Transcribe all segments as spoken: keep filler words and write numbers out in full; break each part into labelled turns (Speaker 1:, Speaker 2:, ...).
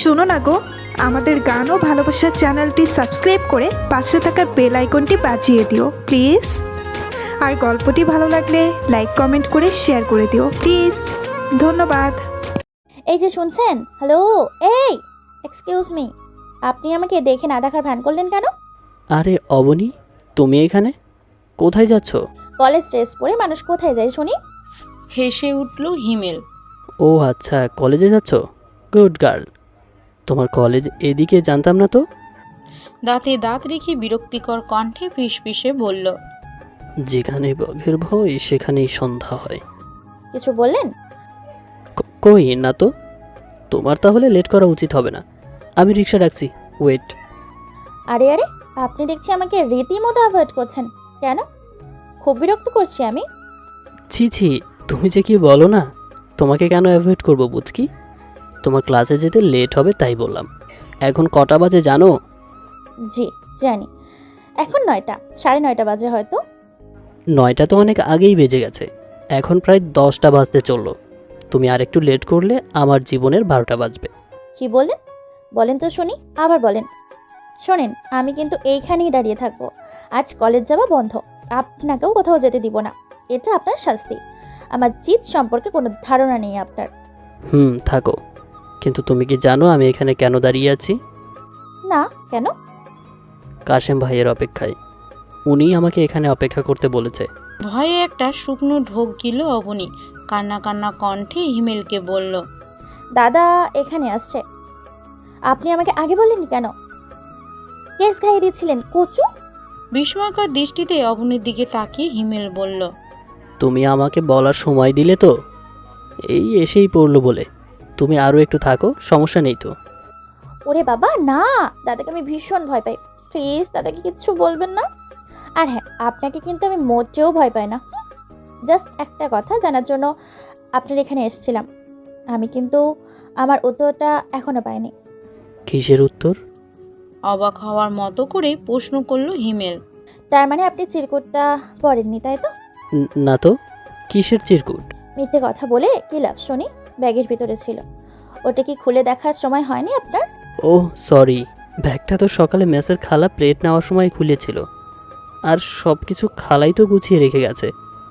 Speaker 1: শোনো না গো, আমাদের গান ও ভালোবাসার চ্যানেলটি সাবস্ক্রাইব করে পাশে থাকা বেল আইকনটি বাজিয়ে দিও প্লিজ। আর গল্পটি ভালো লাগলে লাইক কমেন্ট করে শেয়ার করে দিও প্লিজ। ধন্যবাদ।
Speaker 2: এই যে শুনছেন, হ্যালো, এই এক্সকিউজ মি, আপনি আমাকে দেখে না দেখার ভান করলেন কেন?
Speaker 3: আরে অবনী, তুমি এখানে কোথায় যাচ্ছ?
Speaker 2: কলেজ ড্রেস পরে মানুষ কোথায় যায় শুনি?
Speaker 4: হেসে উঠল হিমেল।
Speaker 3: ও আচ্ছা, কলেজে যাচ্ছ, গুড গার্ল। তোমার কলেজ এদিকে জানতাম না তো।
Speaker 4: দাঁতে দাঁত রেখে বিরক্তিকর কণ্ঠে ফিসফিসে বলল,
Speaker 3: যেখানে বঘের ভয় সেখানেই সন্ধ্যা হয়।
Speaker 2: কিছু বললেন?
Speaker 3: ক- কই না তো। তোমার তাহলে লেট করা উচিত হবে না। আমি রিক্সা ডাকছি, ওয়েট।
Speaker 2: আরে আরে, আপনি দেখছি আমাকে রীতিমতো অ্যাভয়েড করছেন কেন? খুব বিরক্ত করছি আমি।
Speaker 3: ছি ছি, তুমি যে কি বলো না। তোমাকে কেন অ্যাভয়েড করবো বুঝকি? তোমার ক্লাসে যেতে লেট হবে তাই বললাম। এখন কটা বাজে জানো?
Speaker 2: জি জানি, এখন নয়টা, সাড়ে নয়টা বাজে হয়তো।
Speaker 3: নয়টা তো অনেক আগেই বেজে গেছে, এখন প্রায় দশটা বাজতে চললো। তুমি আর একটু লেট করলে আমার জীবনের বারোটা বাজবে।
Speaker 2: কি বলেন? বলেন তো শুনি, আবার বলেন। শোনেন, আমি কিন্তু এইখানেই দাঁড়িয়ে থাকবো। আজ কলেজ যাওয়া বন্ধ, আপনাকেও কোথাও যেতে দিব না। এটা আপনার শাস্তি। আমার জিত সম্পর্কে কোনো ধারণা নেই আপনার।
Speaker 3: হুম, থাকো। কিন্তু তুমি কি জানো আমি এখানে কেন দাঁড়িয়ে আছি?
Speaker 2: না, কেন?
Speaker 3: কাশেম ভাইয়ের অপেক্ষায়। উনি আমাকে এখানে অপেক্ষা করতে বলেছে।
Speaker 4: ভয়ে একটা শুকনো ঢোক গিল অবনী। কান্না কান্না কণ্ঠে হিমেলকে বলল,
Speaker 2: দাদা এখানে আসছে। আপনি আমাকে আগে বলেননি কেন? কেস খাইয়ে দিচ্ছিলেন কচু।
Speaker 4: বিস্ময়কর দৃষ্টিতে অবনীর দিকে তাকিয়ে হিমেল বলল,
Speaker 3: তুমি আমাকে বলার সময় দিলে তো, এই এসেই পড়লো বলে। তুমি আরও একটু থাকো, সমস্যা নেই তো।
Speaker 2: ওরে বাবা না, দাদাকে আমি ভীষণ ভয় পাই। প্লিজ দাদাকে কিচ্ছু বলবেন না। আর হ্যাঁ, আপনাকে কিন্তু আমি মোটেও ভয় পাই না। জাস্ট একটা কথা জানার জন্য আপনার এখানে এসেছিলাম। আমি কিন্তু আমার উত্তরটা এখনো পাইনি।
Speaker 3: কিসের উত্তর?
Speaker 4: অবাক হওয়ার মতো করে প্রশ্ন করল হিমেল।
Speaker 2: তার মানে আপনি চিরকুটটা পড়েননি, তাই তো?
Speaker 3: ন- না তো, কিসের চিরকুট?
Speaker 2: মিথ্যে কথা বলে কি লাভ শুনি? ব্যাগের ভিতরে ছিল। ওটা কি খুলে দেখার সময় হয়নি আপনার?
Speaker 3: ও সরি, ব্যাগটা তো সকালে মেসের খালা প্লেট নেওয়ার সময় খুলেছিল। আর সব কিছু খালাই তো গুছিয়ে রেখে গেছে।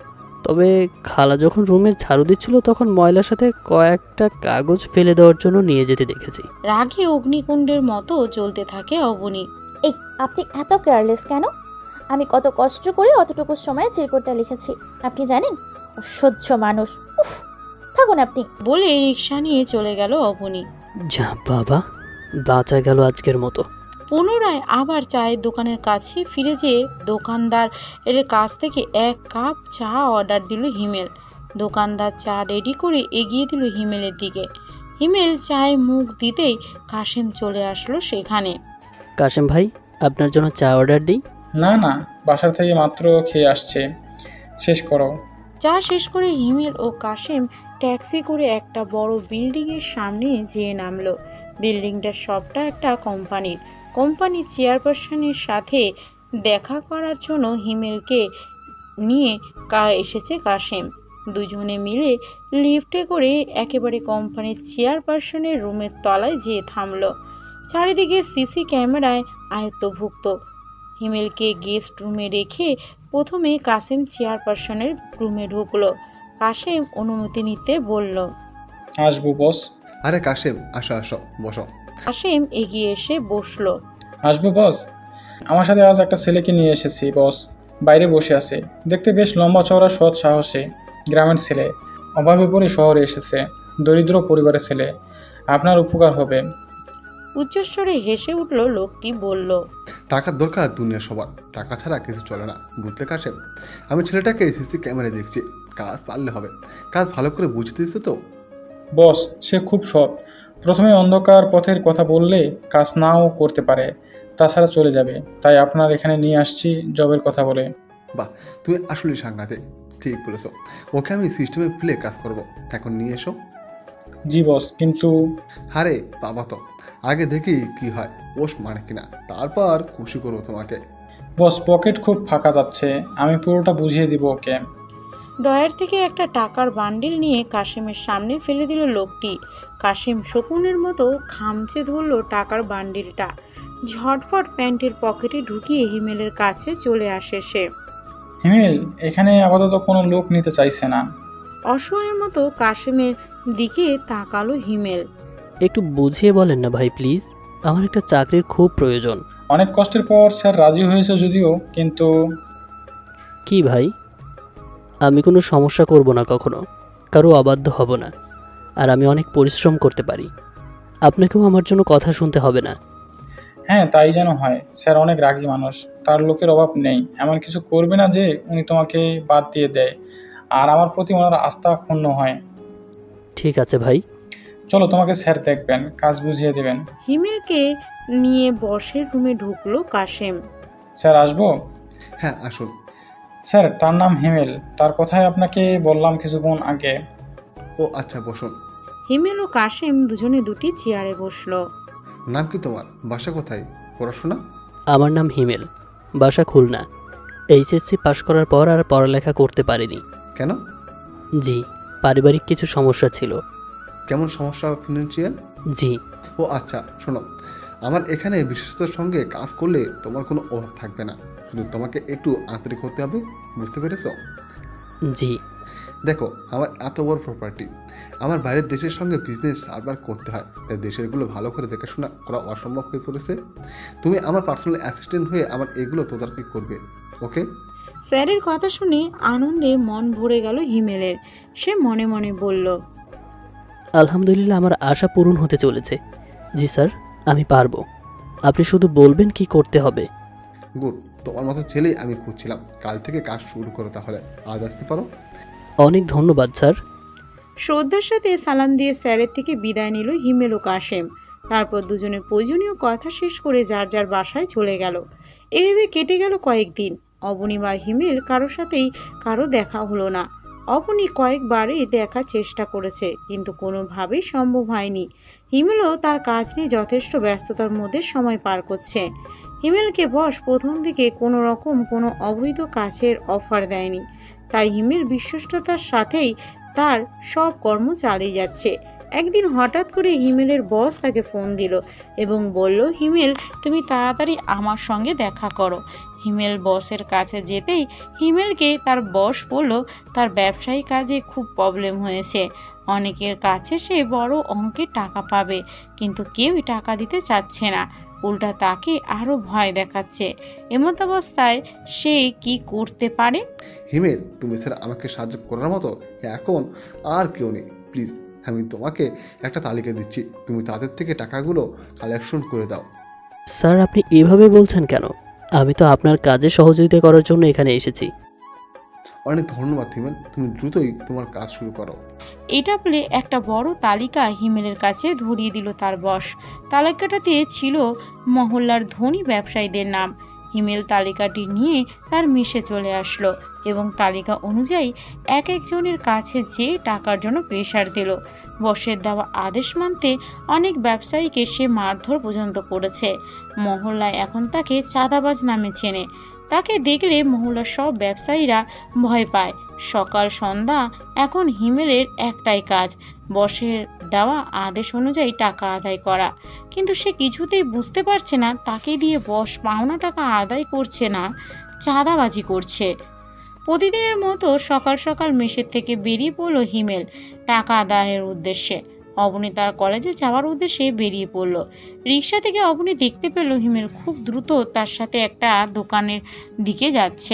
Speaker 3: তবে খালা যখন রুমে ঝাড়ু দিচ্ছিল তখন ময়লার সাথে কয়েকটা কাগজ ফেলে দেওয়ার জন্য নিয়ে যেতে দেখেছি।
Speaker 4: রাগে অগ্নিকুণ্ডের মতো জ্বলতে থাকে অবনী।
Speaker 2: এই, আপনি এত কেয়ারলেস কেন? আমি কত কষ্ট করে অতটুকু সময়ে চিরকুটটা লিখেছি আপনি জানেন? অসহ্য মানুষ। উফ, থাকুন আপনি।
Speaker 4: বলে রিক্সা নিয়ে চলে গেল অবনী।
Speaker 3: যা বাবা, বাঁচা গেল আজকের মতো।
Speaker 4: পুনরায় আবার চায়ের দোকানের কাছে ফিরে যেয়ে দোকানদার এর কাছ থেকে এক কাপ চা অর্ডার দিল হিমেল। দোকানদার চা রেডি করে এগিয়ে দিল হিমেলের দিকে। হিমেল চায়ে মুখ দিতেই কাশেম চলে আসলো সেখানে।
Speaker 3: কাশেম ভাই, আপনার জন্য চা অর্ডার দিই?
Speaker 5: না না, বাসার থেকে মাত্র খেয়ে আসছে, শেষ করো।
Speaker 4: চা শেষ করে হিমেল ও কাশেম ট্যাক্সি করে একটা বড় বিল্ডিংয়ের সামনে যেয়ে নামলো। বিল্ডিংটার সবটা একটা কোম্পানির। কোম্পানির চেয়ারপারসনের সাথে দেখা করার জন্য হিমেলকে নিয়ে কা এসেছে কাশেম। দুজনে মিলে লিফটে করে একেবারে কোম্পানির চেয়ারপারসনের রুমের তলায় যেয়ে থামলো। চারিদিকে সিসি ক্যামেরায় আয়ত্তভুক্ত। হিমেলকে গেস্ট রুমে রেখে প্রথমে কাশেম চেয়ারপারসনের রুমে ঢুকলো। কাশেম অনুমতি নিতে বলল।
Speaker 5: আসবো বস।
Speaker 6: আরে কাশেম, আসো আসো, বসো।
Speaker 4: কাশেম এগিয়ে এসে বসলো।
Speaker 5: আসবো বস। আমার সাথে আজ একটা ছেলেকে নিয়ে এসেছি বস। বাইরে বসে আছে, দেখতে বেশ লম্বা চওড়া, সৎ সাহসী, গ্রামের ছেলে। অভাবে পড়ে শহরে এসেছে, দরিদ্র পরিবারের ছেলে। আপনার উপকার হবে।
Speaker 4: উচ্চস্বরে হেসে উঠল লোকটি, বলল,
Speaker 6: টাকার দরকার দুনিয়া সবার, টাকা ছাড়া কিছু চলে না, বুঝলে কাশেম? আমি ছেলেটাকে সিসি ক্যামেরায় দেখছি, কাজ পারলে হবে। কাজ ভালো করে বুঝতে দিতে তো।
Speaker 5: বস, সে খুব সৎ। প্রথমে অন্ধকার পথের কথা বললে কাজ নাও করতে পারে, তাছাড়া চলে যাবে। তাই আপনার এখানে নিয়ে আসছি জবের কথা বলে।
Speaker 6: বাহ, তুমি আসলে সাংঘাতিক, ঠিক বলেছো। ওকে আমি সিস্টেমে ফেলে কাজ করব, এখন নিয়ে এসো।
Speaker 5: জি বস, কিন্তু
Speaker 6: আরে বাবা তো, আগে দেখি কি হয়, ওস মানে কিনা, তারপর খুশি করবো তোমাকে।
Speaker 5: বস, পকেট খুব ফাঁকা যাচ্ছে, আমি পুরোটা বুঝিয়ে দিব ওকে।
Speaker 4: ডয়ার থেকে একটা টাকার বান্ডিল নিয়ে কাশিমের সামনে ফেলে দিল লোকটি। কাশিম শকুনের মতো খামচে ধরল টাকার বান্ডিলটা। ঝটফট প্যান্টের পকেটে ঢুকিয়ে হিমেলের কাছে চলে আসে সে।
Speaker 5: হিমেল, এখানে আপাতত কোনো লোক নিতে চাইছে না।
Speaker 4: অসহায়ের মতো কাশিমের দিকে তাকালো হিমেল।
Speaker 3: একটু বুঝিয়ে বলেন না ভাই প্লিজ, আমার একটা চাকরির খুব প্রয়োজন।
Speaker 5: অনেক কষ্টের পর স্যার রাজি হয়েছে যদিও, কিন্তু
Speaker 3: কি ভাই, আমি কোনো সমস্যা করব না, কখনো কারো অবাধ্য হব না, আর আমি অনেক পরিশ্রম করতে পারি। আপনাকেও আমার জন্য কথা শুনতে হবে না।
Speaker 5: হ্যাঁ, তাই যেন হয়। স্যার অনেক রাগী মানুষ, তার লোকের অভাব নেই। এমন কিছু করবে না যে উনি তোমাকে বাদ দিয়ে দেয় আর আমার প্রতি ওনার আস্থা ক্ষুণ্ণ হয়।
Speaker 3: ঠিক আছে ভাই।
Speaker 5: চলো, তোমাকে স্যার দেখবেন, কাজ বুঝিয়ে দেবেন।
Speaker 4: হিমেলকে নিয়ে বসের রুমে ঢুকলো কাশিম।
Speaker 5: স্যার আসবো?
Speaker 6: হ্যাঁ আসুন।
Speaker 5: স্যার, তার নাম হিমেল, তার কথাই আপনাকে বললাম কিছুক্ষণ আগে।
Speaker 6: ও আচ্ছা, বসুন।
Speaker 4: হিমেল ও কাশিম দুজনে দুটি চেয়ারে বসলো।
Speaker 6: নাম কি তোমার? বাসা কোথায়? পড়াশোনা?
Speaker 3: আমার নাম হিমেল, বাসা খুলনা। এইচএসসি পাশ করার পর আর পড়ালেখা করতে পারিনি।
Speaker 6: কেন?
Speaker 3: জি, পারিবারিক কিছু সমস্যা ছিল।
Speaker 6: কেমন সমস্যা? ফিনান্সিয়াল?
Speaker 3: জি।
Speaker 6: ও আচ্ছা, শোনো, আমার এখানে বিশেষতার সঙ্গে কাজ করলে তোমার কোনো অভাব থাকবে না, শুধু তোমাকে একটু আন্তরিক হতে হবে, বুঝতে পেরেছ?
Speaker 3: জি।
Speaker 6: দেখো, আমার এত বড় প্রপার্টি, আমার বাইরের দেশের সঙ্গে বিজনেস সার্ভার করতে হয়, তাই দেশেরগুলো ভালো করে দেখাশোনা করা অসম্ভব হয়ে পড়েছে। তুমি আমার পার্সোনাল অ্যাসিস্ট্যান্ট হয়ে আমার এগুলো তদারকি করবে, ওকে?
Speaker 4: স্যারের কথা শুনে আনন্দে মন ভরে গেল হিমেলের। সে মনে মনে বলল,
Speaker 3: আলহামদুলিল্লাহ, আমার আশা পূরণ হতে চলেছে। জি স্যার, আমি পারবো। আপনি শুধু বলবেন কি করতে হবে।
Speaker 6: গুড, তোমার মতো ছেলেই আমি খুঁজছিলাম। কাল থেকে কাজ শুরু করো, তাহলে আজ আসতে পারো?
Speaker 3: অনেক ধন্যবাদ স্যার।
Speaker 4: শ্রদ্ধার সাথে সালাম দিয়ে স্যারের থেকে বিদায় নিল হিমেল ও কাশেম। তারপর দুজনে প্রয়োজনীয় কথা শেষ করে যার যার বাসায় চলে গেল। এভাবে কেটে গেল কয়েকদিন। অবনী বা হিমেল কারো সাথেই কারো দেখা হলো না। অবনী কয়েকবারই দেখার চেষ্টা করেছে, কিন্তু কোনোভাবেই সম্ভব হয়নি। হিমেলও তার কাজ নিয়ে যথেষ্ট ব্যস্ততার মধ্যে সময় পার করছে। হিমেলকে বস প্রথম দিকে কোনো রকম কোনো অবৈধ কাজের অফার দেয়নি, তাই হিমেল বিশ্বস্ততার সাথেই তার সব কর্ম চালিয়ে যাচ্ছে। একদিন হঠাৎ করে হিমেলের বস তাকে ফোন দিল এবং বলল, হিমেল, তুমি তাড়াতাড়ি আমার সঙ্গে দেখা করো। হিমেল বসের কাছে যেতেই হিমেলকে তার বস বলল তার ব্যবসায়ী কাজে খুব প্রবলেম হয়েছে। অনেকের কাছে সে বড় অঙ্কের টাকা পাবে, কিন্তু কেউই টাকা দিতে চাচ্ছে না, উল্টা তাকে আরও ভয় দেখাচ্ছে। এমতাবস্থায় সে কি করতে পারে?
Speaker 6: হিমেল, তুমি স্যার আমাকে সাহায্য করার মতো এখন আর কেউ নেই। প্লিজ, আমি তোমাকে একটা তালিকা দিচ্ছি, তুমি তাদের থেকে টাকাগুলো কালেকশন করে দাও।
Speaker 3: স্যার, আপনি এভাবে বলছেন কেন? আমি তো আপনার কাজে সহযোগিতা করার জন্য এখানে এসেছি।
Speaker 6: অনেক ধন্যবাদ হিমেল, তুমি দ্রুতই তোমার কাজ শুরু করো।
Speaker 4: এটা বলে একটা বড় তালিকা হিমেলের কাছে ধরিয়ে দিল তার বস। তালিকাটাতে ছিল মহল্লার ধনী ব্যবসায়ীদের নাম। হিমেল তালিকাটি নিয়ে তার মেসে চলে আসলো এবং তালিকা অনুযায়ী এক একজনের কাছে যে টাকার জন্য প্রেশার দিল। বসের দেওয়া আদেশ মানতে অনেক ব্যবসায়ীকে সে মারধর পর্যন্ত করেছে। মহল্লায় এখন তাকে চাঁদাবাজ নামে চেনে। তাকে দেখলে মহল্লার সব ব্যবসায়ীরা ভয় পায়। সকাল সন্ধ্যা এখন হিমেলের একটাই কাজ, বসের দেওয়া আদেশ অনুযায়ী টাকা আদায় করা। কিন্তু সে কিছুতেই বুঝতে পারছে না তাকে দিয়ে বস পাওনা টাকা আদায় করছে না চাঁদাবাজি করছে। প্রতিদিনের মতো সকাল সকাল মেসের থেকে বেরিয়ে পড়ল হিমেল টাকা আদায়ের উদ্দেশ্যে। অবনী তার কলেজে যাওয়ার উদ্দেশ্যে বেরিয়ে পড়ল। রিক্সা থেকে অবনী দেখতে পেল হিমেল খুব দ্রুত তার সাথে একটা দোকানের দিকে যাচ্ছে।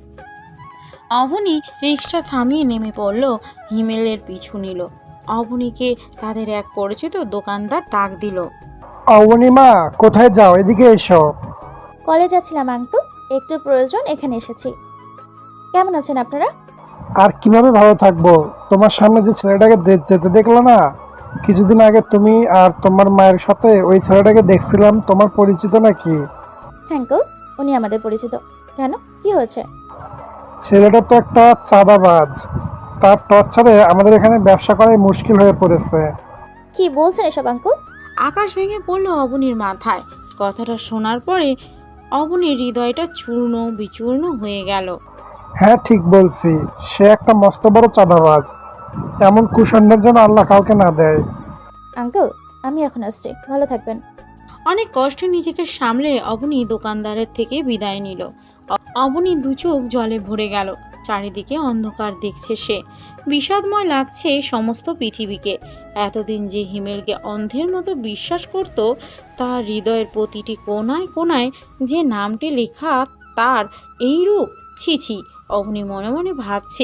Speaker 4: অবনী রিক্সা থামিয়ে নেমে পড়ল, হিমেলের পিছু নিল। অবনীকে তাদের এক পরিচিত দোকানদার ডাক দিল।
Speaker 7: অবনীমা, কোথায় যাও? এদিকে এসো।
Speaker 2: কলেজ যাচ্ছিলাম আঙ্কেল, একটু প্রয়োজন, এখানে এসেছি। কেমন আছেন আপনারা?
Speaker 7: আর কিভাবে ভালো থাকবো? তোমার সামনে যে ছেলেটাকে দে- যেতে দেখলে না, কিছুদিন আগে তুমি আর তোমার মায়ের সাথে ওই ছেলেটাকে দেখছিলাম, তোমার পরিচিত নাকি?
Speaker 2: আঙ্কেল, উনি আমাদের পরিচিত। কেন, কি হয়েছে?
Speaker 7: ছেলেটা তো একটা চাঁদাবাজ, তার টর্চারে আমাদের এখানে ব্যবসা করাই মুশকিল হয়ে পড়েছে।
Speaker 2: কি বলছেন এসব আঙ্কেল?
Speaker 4: আকাশ ভেঙে পড়ল অবনীর মাথায়। কথাটা শোনার পরে অবনীর হৃদয়টা চূর্ণ বিচূর্ণ হয়ে গেল।
Speaker 7: হ্যাঁ ঠিক বলছি, সে একটা মস্ত বড় চাঁদাবাজ। এমন কুসন্ডের যেন আল্লাহ কাউকে না দেয়।
Speaker 2: আঙ্কেল, আমি এখন আসছি, ভালো থাকবেন।
Speaker 4: অনেক কষ্টে নিজেকে সামলে অবনী দোকানদারের থেকে বিদায় নিল। অ- অবনী দু চোখ জলে ভরে গেল। চারিদিকে অন্ধকার দেখছে সে। বিষাদময় লাগছে সমস্ত পৃথিবীকে। এতদিন যে হিমেলকে অন্ধের মতো বিশ্বাস করত, তার হৃদয়ের প্রতিটি কোণায় কোণায় যে নামটি লেখা, তার এই রূপ, ছি ছি। অবনী মনে মনে ভাবছে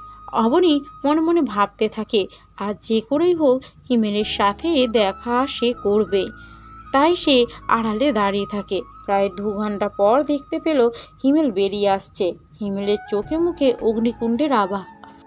Speaker 4: অবনী মনে মনে ভাবতে থাকে, আর যে করেই হোক হিমেলের সাথে দেখা সে করবে। তাই সে আড়ালে দাঁড়িয়ে থাকে। প্রায় দু ঘন্টা পর দেখতে পেল হিমেল বেরিয়ে আসছে। হিমেলের চোখে মুখে অগ্নিকুণ্ডের আভা।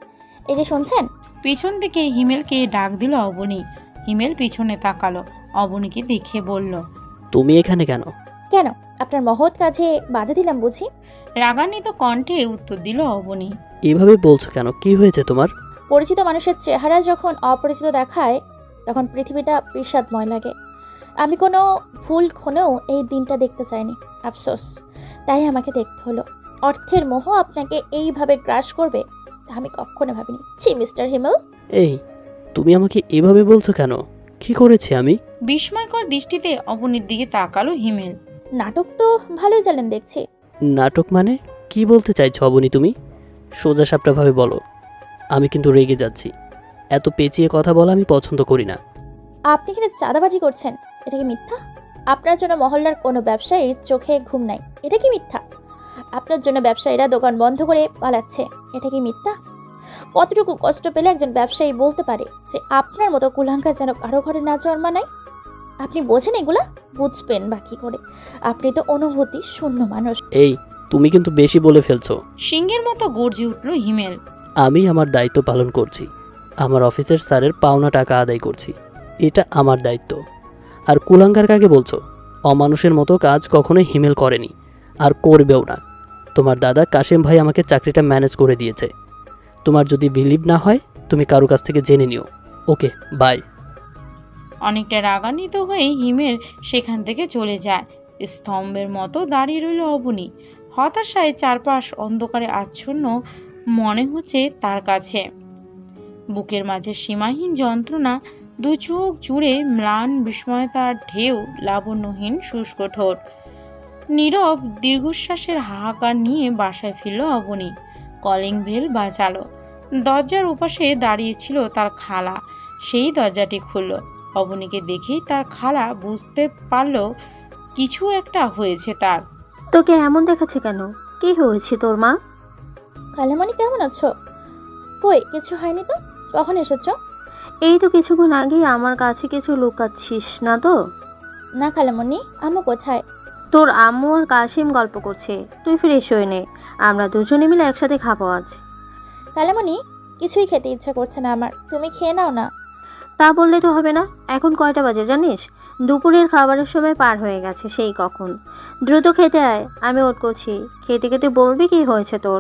Speaker 2: এই যে শুনছেন?
Speaker 4: পিছন থেকে হিমেলকে ডাক দিল অবনী। হিমেল পিছনে তাকালো, অবনীকে দেখে বলল,
Speaker 3: তুমি এখানে কেন?
Speaker 2: কেন, আপনার মহৎ কাজে বাধা দিলাম বুঝি?
Speaker 4: রাগান্বিত কণ্ঠে উত্তর দিল অবনী।
Speaker 3: এভাবে বলছো কেন? কি হয়েছে তোমার?
Speaker 2: পরিচিত মানুষের চেহারা যখন অপরিচিত দেখায় তখন পৃথিবীটা বিষাদময় লাগে। আমি কোনো ভুল ক্ষণেও এই দিনটা দেখতে চাইনি, আফসোস। তাই আমাকে দেখতে হলো। অর্থের মোহ আপনাকে এইভাবে গ্রাস করবে তা আমি কখনো ভাবিনি। ছি মিস্টার হিমেল।
Speaker 3: এই, তুমি আমাকে এভাবে বলছো কেন? কি করেছি আমি?
Speaker 4: বিস্ময়কর দৃষ্টিতে অবনীর দিকে তাকালো হিমেল।
Speaker 2: নাটক তো ভালোই জানেন দেখছি।
Speaker 3: নাটক মানে? কি বলতে চাইছো অবনী তুমি? সোজা সাপটাভাবে বলো। আমি কিন্তু রেগে যাচ্ছি। এত পেঁচিয়ে কথা বলা আমি পছন্দ করি না।
Speaker 2: আপনি এখানে চাঁদাবাজি করছেন, এটা কি মিথ্যা? আপনার জন্য মহল্লার কোনো ব্যবসায়ীর চোখে ঘুম নাই, এটা কি মিথ্যা? আপনার জন্য ব্যবসায়ীরা দোকান বন্ধ করে পালাচ্ছে, এটা কি মিথ্যা? কতটুকু কষ্ট পেলে একজন ব্যবসায়ী বলতে পারে যে আপনার মতো কুলাঙ্কার যেন কারো ঘরে না জন্মা নাই? আপনি বোঝেন এগুলা? বুঝবেন বাকি করে? আপনি তো অনুভূতি শূন্য মানুষ।
Speaker 3: এই, তুমি কিন্তু বেশি বলে ফেলছো।
Speaker 4: সিংহের মতো গর্জে উঠল হিমেল।
Speaker 3: আমি আমার দায়িত্ব পালন করছি। আমার অফিসের স্যারের পাওনা টাকা আদায় করছি। এটা আমার দায়িত্ব। আর কুলাঙ্গার কাকে বলছো? অমানুষের মতো কাজ কখনোই হিমেল করেনি, আর করবেও না। তোমার দাদা কাশেম ভাই আমাকে চাকরিটা ম্যানেজ করে দিয়েছে। তোমার যদি বিলিভ না হয় তুমি কারো কাছ থেকে জেনে নিও। Okay, bye.
Speaker 4: অনেকটা রাগান্বিত হয়ে হিমেল সেখান থেকে চলে যায়। স্তম্ভের মতো দাঁড়িয়ে রইল অবনী। হতাশায় চারপাশ অন্ধকারে আচ্ছন্ন মনে হচ্ছে তার কাছে। বুকের মাঝে সীমাহীন যন্ত্রণা, দু চোখ জুড়ে ম্লান বিস্ময়তার ঢেউ, লাবণ্যহীন শুষ্ক ঠোঁট। নীরব দীর্ঘশ্বাসের হাহাকার নিয়ে বাসায় ফিরল অবনী। Calling bell বাজালো। দরজার উপাশে দাঁড়িয়েছিল তার খালা। সেই দরজাটি খুলল। অবনীকে দেখেই তার খালা বুঝতে পারল কিছু একটা হয়েছে তার।
Speaker 8: তোকে এমন দেখাচ্ছে কেন? কি হয়েছে তোর মা?
Speaker 2: খালামণি কেমন আছো? কই কিছু হয়নি তো। কখন এসেছো?
Speaker 8: এই তো কিছুক্ষণ আগে আমার কাছে কিছু লুকাচ্ছিস না তো?
Speaker 2: না খালামণি, আম্মু কোথায়?
Speaker 8: তোর আম্মু আর কাশিম গল্প করছে, তুই ফ্রেশ হয়ে নে, আমরা দুজনে মিলে একসাথে খাবো আজ।
Speaker 2: খালামণি, কিছুই খেতে ইচ্ছা করছে না আমার, তুমি খেয়ে নাও না।
Speaker 8: তা বললে তো হবে না। এখন কয়টা বাজে জানিস? দুপুরের খাবারের সময় পার হয়ে গেছে সেই কখন। দ্রুত খেতে আয়, আমি ওট করছি। খেতে খেতে বলবি কি হয়েছে তোর।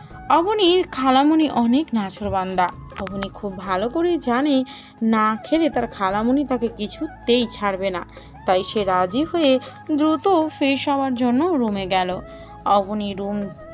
Speaker 4: অবনীর খালামণি অনেক নাছোড়বান্দা। অবনী খুব ভালো করে জানে না খেলে তার খালামণি তাকে কিছুতেই ছাড়বে না। তাই সে রাজি হয়ে দ্রুত ফ্রেশ হওয়ার জন্য রুমে গেল। অবনী রুম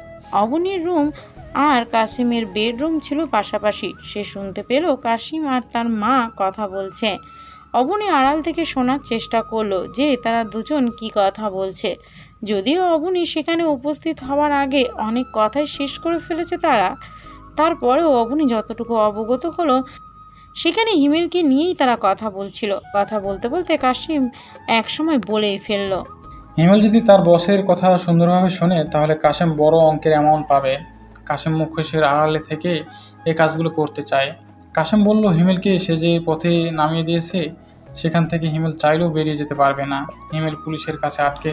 Speaker 4: অবনীর রুম আর কাসিমের বেডরুম ছিল পাশাপাশি। সে শুনতে পেল কাসিম আর তার মা কথা বলছে। অবনী আড়াল থেকে শোনার চেষ্টা করলো যে তারা দুজন কি কথা বলছে। যদিও অবনী সেখানে উপস্থিত হওয়ার আগে অনেক কথাই শেষ করে ফেলেছে তারা, তারপরেও অবনী যতটুকু অবগত হলো সেখানে হিমেলকে নিয়েই তারা কথা বলছিল। কথা বলতে বলতে কাসিম একসময় বলেই ফেলল,
Speaker 5: হিমেল যদি তার বসের কথা সুন্দরভাবে শোনে তাহলে কাশেম বড় অঙ্কের অ্যামাউন্ট পাবে। কাশেম মুখোশের আড়ালে থেকে এই কাজগুলো করতে চায়। কাশেম বলল হিমেলকে সে যে পথে নামিয়ে দিয়েছে সেখান থেকে হিমেল চাইলেও বেরিয়ে যেতে পারবে না। হিমেল পুলিশের কাছে আটকে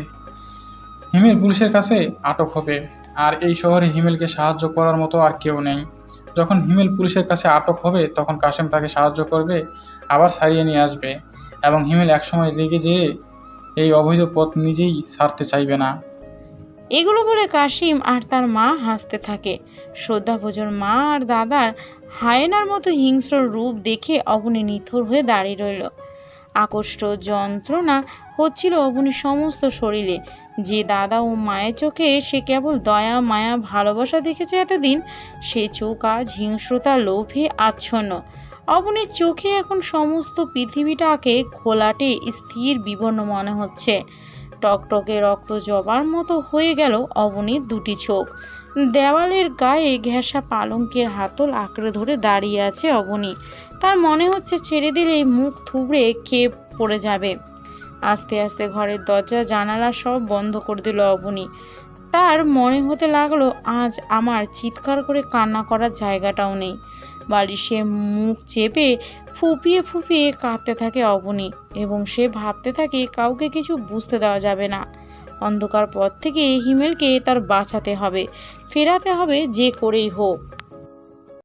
Speaker 5: হিমেল পুলিশের কাছে আটক হবে। আর এই শহরে হিমেলকে সাহায্য করার মতো আর কেউ নেই। যখন হিমেল পুলিশের কাছে আটক হবে তখন কাশেম তাকে সাহায্য করবে, আবার ছাড়িয়ে নিয়ে আসবে, এবং হিমেল একসময় রেগে যেয়ে এই অবৈধ পথ নিজেই ছাড়তে চাইবে না।
Speaker 4: এগুলো বলে কাসিম আর তার মা হাসতে থাকে। শ্রদ্ধাভোজন মা আর দাদার হায়েনার মতো হিংস্র রূপ দেখে অবনী নিথর হয়ে দাঁড়িয়ে রইল। আকষ্ট যন্ত্রণা হচ্ছিল অবনীর সমস্ত শরীরে। যে দাদা ও মায়ের চোখে সে কেবল দয়া মায়া ভালোবাসা দেখেছে এতদিন, সে চোখ আজ হিংস্রতা লোভে আচ্ছন্ন। অবনীর চোখে এখন সমস্ত পৃথিবীটাকে ঘোলাটে স্থির বিবর্ণ মনে হচ্ছে। টকটকে রক্ত জবার মতো হয়ে গেল অবনীর দুটি চোখ। দেওয়ালের গায়ে ঘেঁষা পালঙ্কের হাতল আঁকড়ে ধরে দাঁড়িয়ে আছে অবনী। তার মনে হচ্ছে ছেড়ে দিলে মুখ থুবড়ে খেয়ে পড়ে যাবে। আস্তে আস্তে ঘরের দরজা জানালা সব বন্ধ করে দিল অবনী। তার মনে হতে লাগলো আজ আমার চিৎকার করে কান্না করার জায়গাটাও নেই। বালিশে মুখ চেপে ফুপিয়ে ফুপিয়ে কাঁদতে থাকে অবনী, এবং সে ভাবতে থাকে কাউকে কিছু বুঝতে দেওয়া যাবে না। অন্ধকার পথ থেকে হিমেলকে তার বাঁচাতে হবে, ফেরাতে হবে যে করেই হোক।